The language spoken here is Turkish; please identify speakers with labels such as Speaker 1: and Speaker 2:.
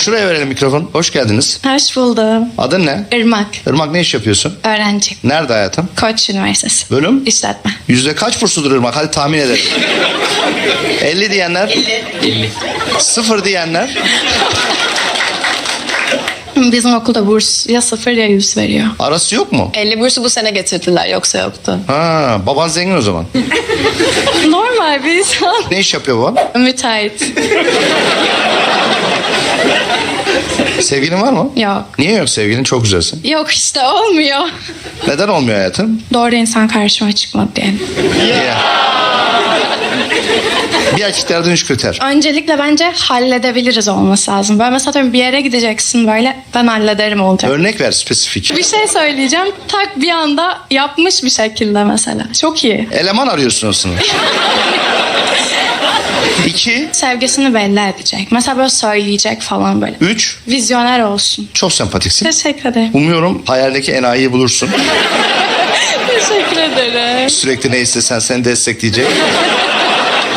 Speaker 1: Şuraya verelim mikrofon. Hoş geldiniz.
Speaker 2: Hoş buldum.
Speaker 1: Adın ne?
Speaker 2: Irmak.
Speaker 1: Irmak, ne iş yapıyorsun?
Speaker 2: Öğrenci.
Speaker 1: Nerede hayatım?
Speaker 2: Koç Üniversitesi.
Speaker 1: Bölüm?
Speaker 2: İşletme.
Speaker 1: Yüzde kaç bursudur Irmak? Hadi tahmin edelim. 50 diyenler? 50. 0 diyenler?
Speaker 2: Bizim okulda burs ya 0 ya 100 veriyor.
Speaker 1: Arası yok mu?
Speaker 3: 50 bursu bu sene getirdiler, yoksa yoktu.
Speaker 1: Ha, baban zengin o zaman.
Speaker 2: Normal bir insan.
Speaker 1: Ne iş yapıyor baban?
Speaker 2: Müteahhit.
Speaker 1: Sevgilin var mı?
Speaker 2: Yok.
Speaker 1: Niye yok sevgilin? Çok güzelsin.
Speaker 2: Yok işte olmuyor.
Speaker 1: Neden olmuyor hayatım?
Speaker 2: Doğru insan karşıma çıkmadı diye.
Speaker 1: Niye? Bir erkeklerden 3 kriter.
Speaker 2: Öncelikle bence halledebiliriz olması lazım. Böyle mesela diyorum bir yere gideceksin böyle ben hallederim olacak.
Speaker 1: Örnek ver spesifik.
Speaker 2: Bir şey söyleyeceğim. Tak bir anda yapmış bir şekilde mesela. Çok iyi.
Speaker 1: Eleman arıyorsun aslında. 2,
Speaker 2: Sevgisini belli edecek. Mesela böyle söyleyecek falan böyle.
Speaker 1: 3,
Speaker 2: Vizyoner olsun.
Speaker 1: çok sempatiksin.
Speaker 2: Teşekkür ederim.
Speaker 1: Umuyorum hayaldeki enayiyi bulursun.
Speaker 2: Teşekkür ederim.
Speaker 1: Sürekli ne istesen seni destekleyecek.